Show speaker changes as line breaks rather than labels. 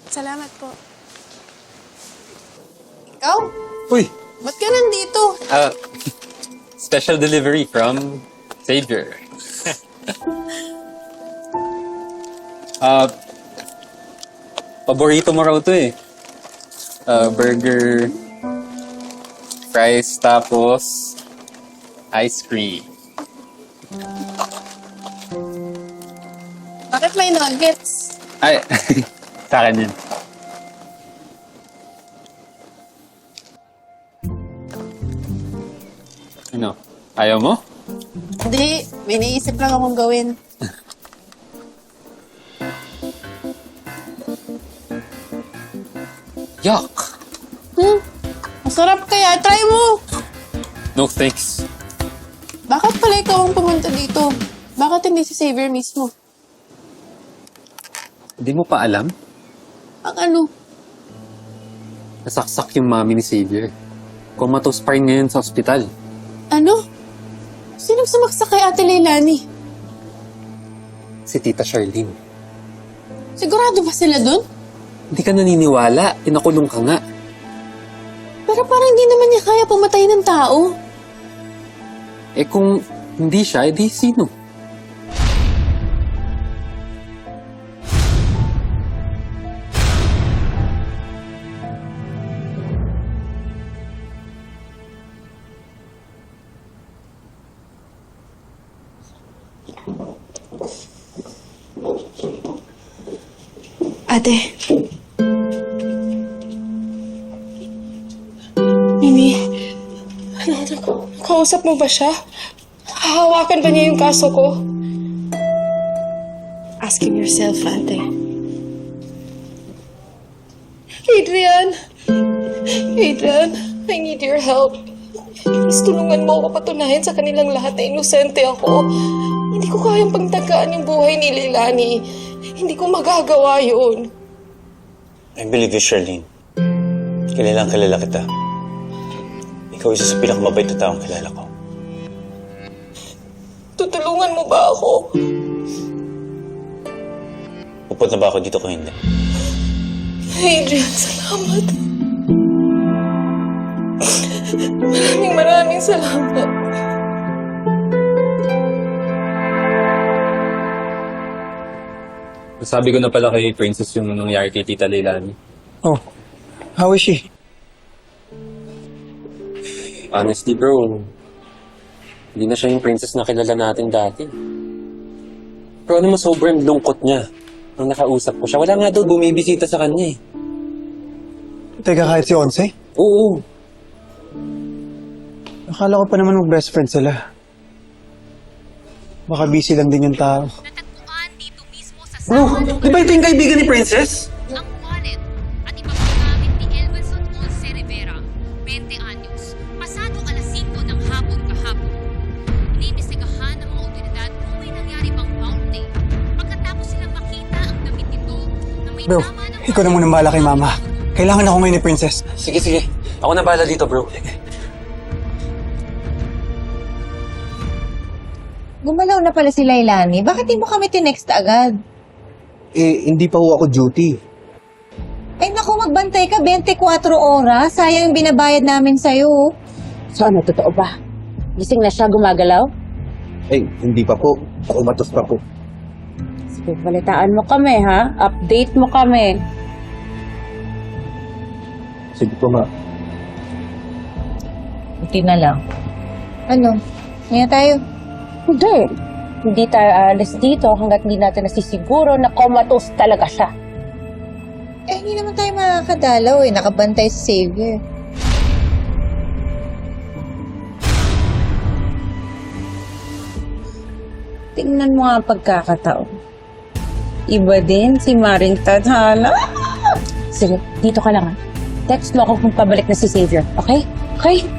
Salamat po. Ikaw?
Uy!
Ba't ka nandito?
Special delivery from Xavier. Paborito mo raw to eh. Burger, fries, tapos ice cream.
Bakit may nuggets?
Ay, sa akin yun. Ano? Ayaw mo?
Hindi, may naisip lang akong gawin.
Yuck!
Masarap kaya. Try mo!
No thanks.
Bakit pala ikaw ang pumunta dito? Bakit hindi si Xavier mismo?
Hindi mo pa alam?
Ang ano?
Nasaksak yung mami ni Xavier. Comatose pa rin ngayon sa ospital.
Ano? Sinong sumaksak kay Ate Leilani?
Si Tita Charlene.
Sigurado ba sila dun?
Hindi ka naniniwala. Pinakulong ka nga.
Pero parang hindi naman niya kaya pumatay ng tao.
Eh kung hindi siya, edi sino?
Ate. Mimi. Kausap mo ba siya? Hahawakan ba niya yung kaso ko? Ask him yourself, ate. Adrian! Adrian, I need your help. Please tulungan mo ako patunayan sa kanilang lahat na inosente ako. Hindi ko kayang pagtagaan yung buhay ni Leilani. Hindi ko magagawa yun.
I believe you, Charlene. Kilalang kilala kita. Ikaw isa sa pinakamabait na taong kilala ko.
Tutulungan mo ba ako?
Upot na ba ako dito kung hindi?
Adrian, salamat. Maraming salamat.
Sabi ko na pala kay Princess yung nangyari kay Tita Leilani.
Oh, how is she?
Honestly bro, hindi na siya yung princess na kilala natin dati. Pero ano mo, sobrang lungkot niya. Nung nakausap ko siya, wala nga daw bumibisita sa kanya eh.
Teka, kahit si Onse?
Oo.
Akala ko pa naman mag-best friend sila. Baka busy lang din yung tao.
Natagpuan dito mismo sa
Bro,
sahod
di ba ito yung kaibigan ni Princess?
ang wallet at iba pang gamit ni Elvinson Once Rivera, 20 anyos, pasado alas 5 ng hapon kahapon. Iniimbestigahan ng mga otoridad kung may nangyari bang bounty. Pagkatapos silang makita ang damit nito na may
Bro,
tama ng
ikaw na muna bahala kay Mama. Kailangan ako ngayon ni Princess.
Sige, sige. Ako na bahala dito, bro.
Gumalaw na pala si Leilani. Bakit di mo kami tinext agad?
Eh, hindi pa ho ako duty.
Ay naku, magbantay ka 24 oras. Sayang yung binabayad namin sa'yo.
So ano, totoo ba? Gising na siya, gumagalaw?
Eh, hindi pa po. Umatos pa po.
Sige, balitaan mo kami, ha? Update mo kami.
Sige po, ma.
Buti na lang. Ano? Ngayon tayo.
Hindi. Hindi tayo aalis dito hanggat hindi natin nasisiguro na comatose talaga siya.
Eh, hindi naman tayo makakadalaw eh. Nakabantay si Xavier. Tingnan mo nga ang pagkakataon. Iba din si Maring Tadhana.
Sige, dito ka lang, ha? Text mo ako kung pabalik na si Xavier, okay? Okay?